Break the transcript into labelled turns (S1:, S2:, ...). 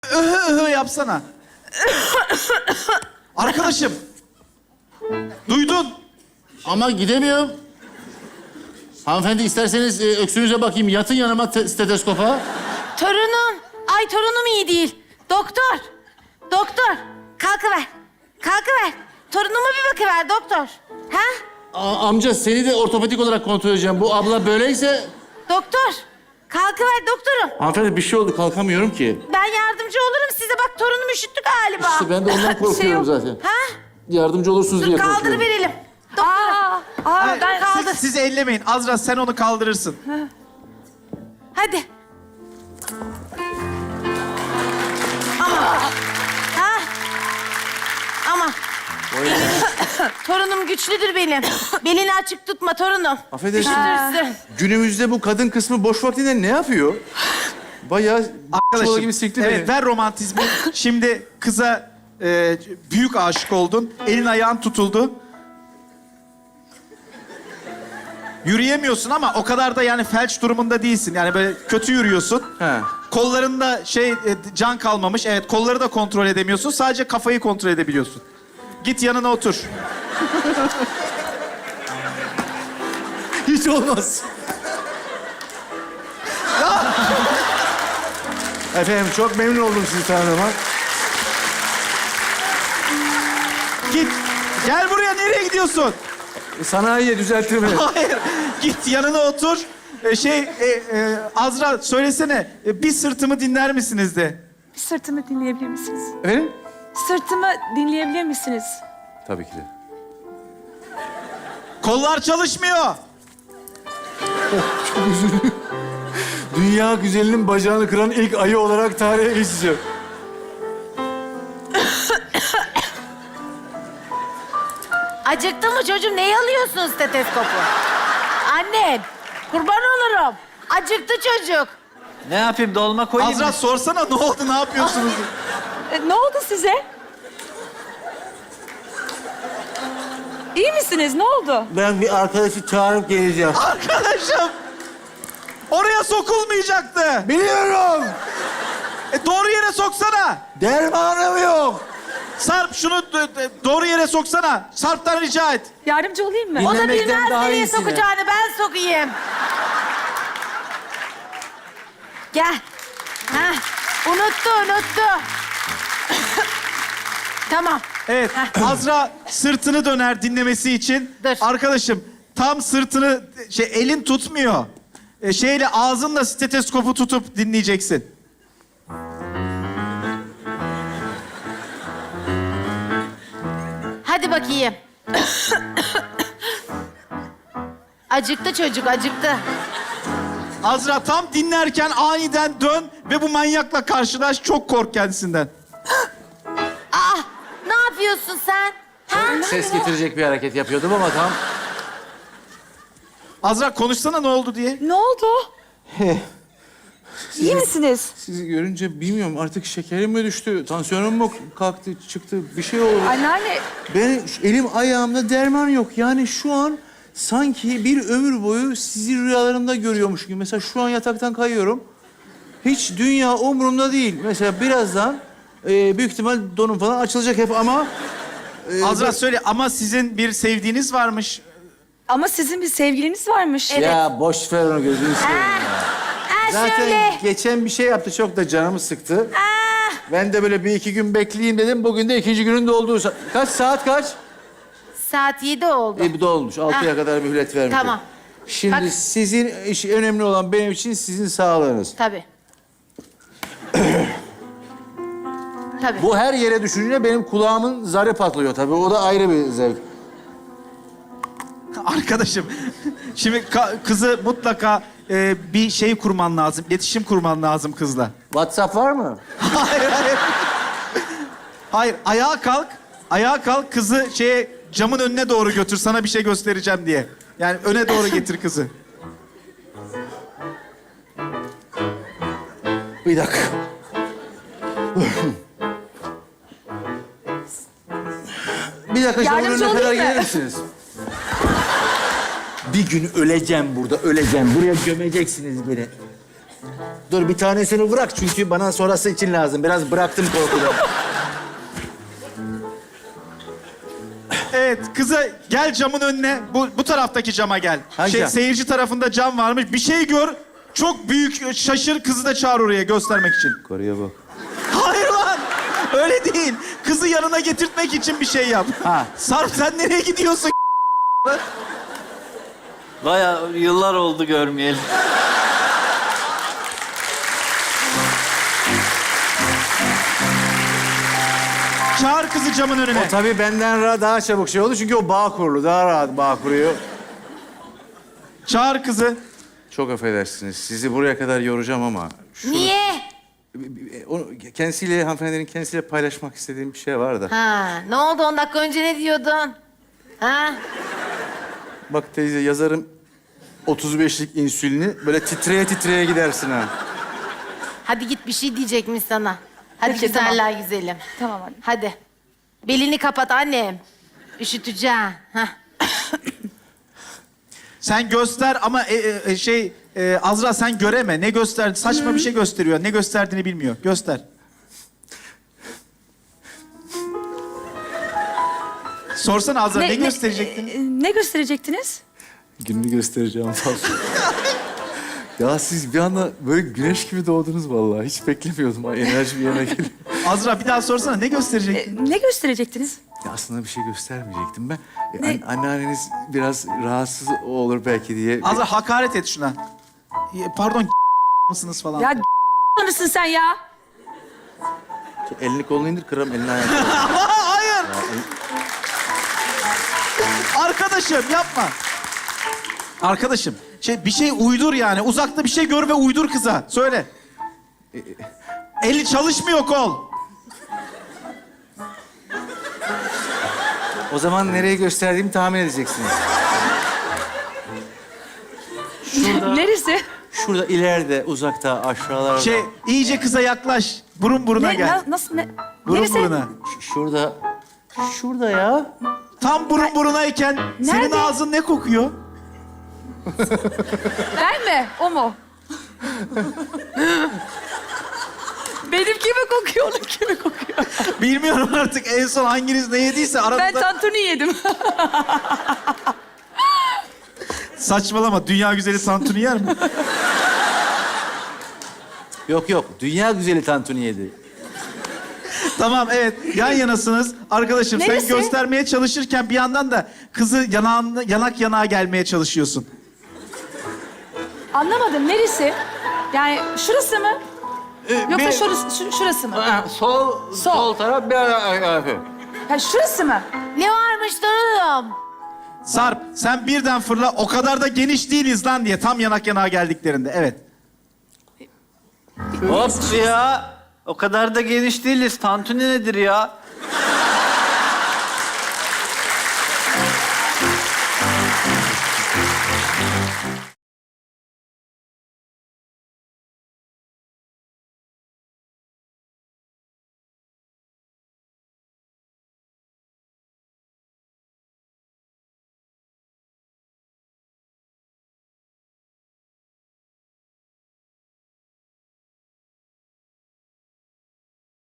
S1: Yapsana. Arkadaşım. Duydun.
S2: Ama gidemiyorum. Hanımefendi isterseniz öksürüğünüze bakayım. Yatın yanıma stetoskopa.
S3: Torunum. Ay torunum iyi değil. Doktor. Doktor. Kalkıver. Kalkıver. Torunuma bir bakıver doktor. Ha?
S2: Amca seni de ortopedik olarak kontrol edeceğim. Bu abla böyleyse...
S3: Doktor. Kalkıver doktorum.
S2: Hanımefendi bir şey oldu kalkamıyorum ki.
S3: Ben yardımcı olurum size. Bak torunum üşüttü galiba.
S2: İşte ben de ondan korkuyorum zaten.
S3: Ha?
S2: Yardımcı olursunuz diye
S3: Dur
S2: korkuyorum.
S3: kaldırıverelim. Doktor.
S1: Hayır,
S3: ben kaldır.
S1: siz ellemeyin. Azra sen onu kaldırırsın.
S3: Hadi. Ama. Ha? Ama. Torunum güçlüdür benim. Belini açık tutma torunum.
S4: Affedersin.
S3: Üşütürsün.
S4: Günümüzde bu kadın kısmı boş vaktinde ne yapıyor? Bayağı çuvala gibi sikti
S1: evet, ver romantizmi. Şimdi kıza büyük aşık oldun. Elin ayağın tutuldu. Yürüyemiyorsun ama o kadar da yani felç durumunda değilsin. Yani böyle kötü yürüyorsun.
S4: He.
S1: Kollarında can kalmamış. Evet, kolları da kontrol edemiyorsun. Sadece kafayı kontrol edebiliyorsun. Git yanına otur.
S4: Hiç olmaz. Efendim çok memnun oldum sizi tanıdığıma.
S1: Git. Gel buraya. Nereye gidiyorsun?
S4: Sanayiye düzeltir beni.
S1: Hayır. Git yanına otur. Azra söylesene. Bir sırtımı dinler misiniz de.
S5: Sırtımı dinleyebilir misiniz?
S4: Efendim?
S5: Sırtımı dinleyebilir misiniz?
S4: Tabii ki de.
S1: Kollar çalışmıyor.
S4: Çok üzüldüm. Dünya güzelinin bacağını kıran ilk ayı olarak tarihe geçeceğim.
S3: Acıktı mı çocuğum? Neyi alıyorsun stetoskopu? Annen. Kurban olurum. Acıktı çocuk.
S6: Ne yapayım, dolma koyayım
S1: Azra
S6: mı?
S1: sorsana ne oldu, ne yapıyorsunuz?
S5: Ne oldu size? İyi misiniz? Ne oldu?
S2: Ben bir arkadaşı çağırıp geleceğim.
S1: Arkadaşım. Oraya sokulmayacaktı.
S2: Biliyorum.
S1: Doğru yere soksana.
S2: Dermanım yok.
S1: Sarp şunu doğru yere soksana. Sarp'tan rica et.
S5: Yardımcı olayım mı?
S3: O da
S2: Dinlemekten
S3: bilmez
S2: daha
S3: nereye
S2: iyisini.
S3: sokacağını. Ben sokayım. Gel. Ha. Unuttu. Tamam.
S1: Evet. Azra sırtını döner dinlemesi için.
S3: Dur.
S1: Arkadaşım tam sırtını elin tutmuyor. Şeyle ağzınla stetoskopu tutup dinleyeceksin.
S3: Hadi bakayım. Acıktı çocuk, acıktı.
S1: Azra tam dinlerken aniden dön ve bu manyakla karşılaş. Çok kork kendisinden.
S3: Aa, ne yapıyorsun sen? Ha?
S2: Ses getirecek bir hareket yapıyordum ama tam...
S1: Azra konuşsana ne oldu diye.
S5: Ne oldu? İyi misiniz?
S4: Sizi görünce bilmiyorum artık şekerim mi düştü, tansiyonum mu kalktı, çıktı, bir şey oldu.
S5: Anneanne,
S4: Ben elim ayağımda derman yok. Yani şu an sanki bir ömür boyu sizi rüyalarımda görüyormuş gibi. Mesela şu an yataktan kayıyorum. Hiç dünya umurumda değil. Mesela birazdan büyük ihtimal donum falan açılacak hep ama...
S1: Azra söyle ama sizin bir sevdiğiniz varmış.
S5: ama sizin bir sevgiliniz varmış.
S2: Ya boş ver onu gözünü seveyim.
S3: Ha
S2: Zaten
S3: şöyle.
S2: geçen bir şey yaptı çok da canımı sıktı. Ben de böyle bir iki gün bekleyeyim dedim. Bugün de ikinci günün dolduğu kaç saat kaç?
S3: Saat 7 oldu.
S2: Bu dolmuş. 6'ya kadar mühlet vermiş.
S3: Tamam.
S2: Şimdi
S3: Bak.
S2: sizin önemli olan benim için sizin sağlığınız.
S3: Tabii. Tabii.
S2: Bu her yere düşünce benim kulağımın zarı patlıyor tabii. O da ayrı bir zevk.
S1: Arkadaşım şimdi kızı mutlaka bir şey kurman lazım. İletişim kurman lazım kızla.
S2: WhatsApp var mı?
S1: Hayır. Hayır, ayağa kalk. Ayağa kalk, kızı camın önüne doğru götür. Sana bir şey göstereceğim diye. Yani öne doğru getir kızı.
S2: Bir dakika. Bir dakika camın
S5: Yardımcı
S2: önüne kadar
S5: olayım mı?
S2: gelir misiniz? Bir gün öleceğim burada, öleceğim. Buraya gömeceksiniz beni. Dur bir tanesini bırak çünkü bana sonrası için lazım. Biraz bıraktım korkudan.
S1: Evet, kıza gel camın önüne. Bu taraftaki cama gel.
S2: Hangi cam?
S1: Seyirci tarafında cam varmış. Bir şey gör. Çok büyük şaşır, kızı da çağır oraya göstermek için.
S2: Koruya bak.
S1: Hayır lan. Öyle değil. Kızı yanına getirtmek için bir şey yap.
S2: Ha.
S1: Sarp sen nereye gidiyorsun?
S6: Bayağı yıllar oldu görmeyelim.
S1: Çağır kızı camın önüne.
S2: O tabii benden daha çabuk şey oldu çünkü o bağ kurulu. Daha rahat bağ kuruyor.
S1: Çağır kızı.
S2: Çok affedersiniz. Sizi buraya kadar yoracağım ama...
S3: Niye?
S2: Onu kendisiyle, hanımefendinin kendisiyle paylaşmak istediğim bir şey var da.
S3: Ha, ne oldu 10 dakika önce ne diyordun? Ha?
S2: Bak teyze yazarım 35'lik insülini böyle titreye titreye gidersin ha.
S3: Hadi git bir şey diyecekmiş sana. Hadi
S5: Peki,
S3: güzeller güzelim.
S5: Tamam anne.
S3: Hadi. Belini kapat annem. Üşüteceğim. Hah.
S1: Sen göster ama Azra sen göreme. Ne gösterdi? Saçma bir şey gösteriyor. Ne gösterdiğini bilmiyor. Göster. Sorsana Azra ne gösterecektin?
S5: Ne gösterecektiniz?
S2: Gününü göstereceğim falan. Ya siz bir anda böyle güneş gibi doğdunuz vallahi. Hiç beklemiyordum. Ay, enerji bir yana geliyor.
S1: Azra bir daha sorsana ne gösterecektin?
S5: Ne gösterecektiniz?
S2: Ya aslında bir şey göstermeyecektim ben. Anneanneniz biraz rahatsız olur belki diye.
S1: Azra hakaret et şuna. Pardon mısınız falan.
S5: Ya mısın sen ya?
S2: Elini kolunu indir kırarım elini ayağını.
S1: Hayır. Arkadaşım yapma. Arkadaşım bir şey uydur yani. Uzakta bir şey gör ve uydur kıza. Söyle. Eli çalışmıyor kol.
S2: O zaman nereye gösterdiğimi tahmin edeceksiniz.
S5: Neresi?
S2: Şurada ileride, uzakta, aşağılarda.
S1: İyice kıza yaklaş. Burun buruna gel.
S5: Nasıl ne?
S1: Burun
S5: Neresi?
S1: buruna.
S2: Şurada. Şurada ya.
S1: Tam burun burunayken senin
S5: Nerede?
S1: ağzın ne kokuyor?
S5: Ben mi? O mu? Benimki mi kokuyor, onunki mi kokuyor?
S1: Bilmiyorum artık en son hanginiz ne yediyse aranızda...
S5: Ben tantuni yedim.
S1: Saçmalama. Dünya güzeli tantuni yer mi?
S2: Yok yok. Dünya güzeli tantuni yedi.
S1: Tamam evet. Yan yanasınız. Arkadaşım
S5: Neresi?
S1: sen göstermeye çalışırken bir yandan da kızı yanak yanağa gelmeye çalışıyorsun.
S5: Anlamadım, neresi? Yani şurası mı? Yoksa şurası mı?
S6: Sol taraf bir
S5: Ha, şurası mı?
S3: Ne varmış torunum?
S1: Sarp sen birden fırla. O kadar da geniş değiliz lan diye. Tam yanak yanağa geldiklerinde. Evet.
S6: Hop ya. O kadar da geniş değiliz. Tantuni nedir ya?